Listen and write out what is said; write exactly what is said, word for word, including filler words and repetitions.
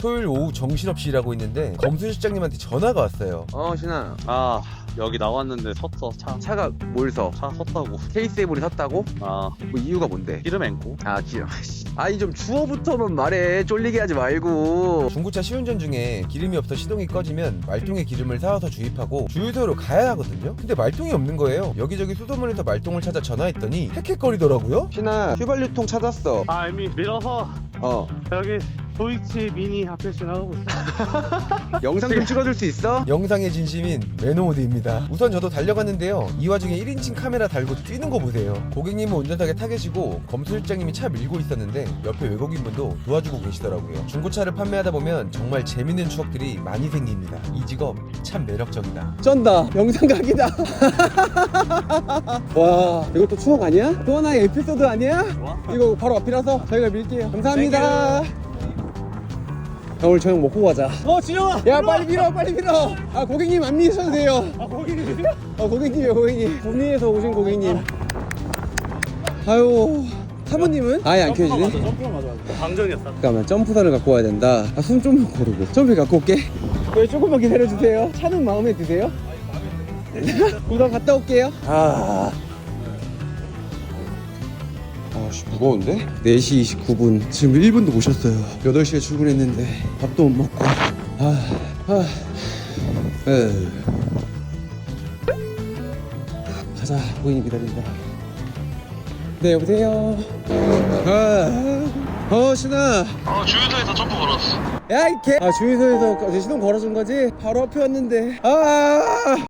토요일 오후 정신없이 일하고 있는데 검수 실장님한테 전화가 왔어요. 어 신아, 아 여기 나왔는데 섰어. 차 차가 뭘 서? 차 섰다고. 케이스에이블이 섰다고? 아 뭐 이유가 뭔데? 기름 앵고. 아 기름. 아니 좀 주어부터만 말해. 쫄리게 하지 말고. 중고차 시운전 중에 기름이 없어 시동이 꺼지면 말통에 기름을 사와서 주입하고 주유소로 가야 하거든요. 근데 말통이 없는 거예요. 여기저기 수소문에서 말통을 찾아 전화했더니 헥헥거리더라고요. 신아, 휘발유통 찾았어. 아 이미 밀어서 어. 여기 도이치 미니 앞에 지나가고 있어. 영상 좀 찍어줄 수 있어? 영상의 진심인 매너모드입니다. 우선 저도 달려갔는데요. 이 와중에 일 인칭 카메라 달고 뛰는 거 보세요. 고객님은 운전석에 타 계시고 검수 실장님이 차 밀고 있었는데 옆에 외국인분도 도와주고 계시더라고요. 중고차를 판매하다 보면 정말 재밌는 추억들이 많이 생깁니다. 이 직업 참 매력적이다. 쩐다. 영상 각이다. 와, 이것도 추억 아니야? 또 하나의 에피소드 아니야? 이거 바로 앞이라서 저희가 밀게요. 감사합니다. 야, 오늘 저녁 먹고 가자. 어 진영아. 야, 빨리 밀어, 빨리 밀어. 아, 고객님 안 미셔도 돼요. 아 고객님. 어, 고객님이요, 고객님. 구미에서 오신 고객님. 아유, 사모님은? 아예 안 켜지네? 점프가 맞아. 방전이었어. 잠깐만, 점프선을 갖고 와야 된다. 아, 숨 좀 고르고. 점프 갖고 올게. 왜 조금만 기다려주세요. 차는 마음에 드세요? 우선 갔다 올게요. 아. 아씨, 무거운데? 네 시 이십구 분. 지금 일 분도 못 쉬었어요. 여덟 시에 출근했는데 밥도 못 먹고. 아, 아. 에. 가자, 고객님 기다린다. 네, 여보세요. 아, 어, 신아. 어, 주유소에서 점프 걸었어. 야, 이 개. 아, 주유소에서 이제 시동 걸어준 거지? 바로 앞에 왔는데. 아.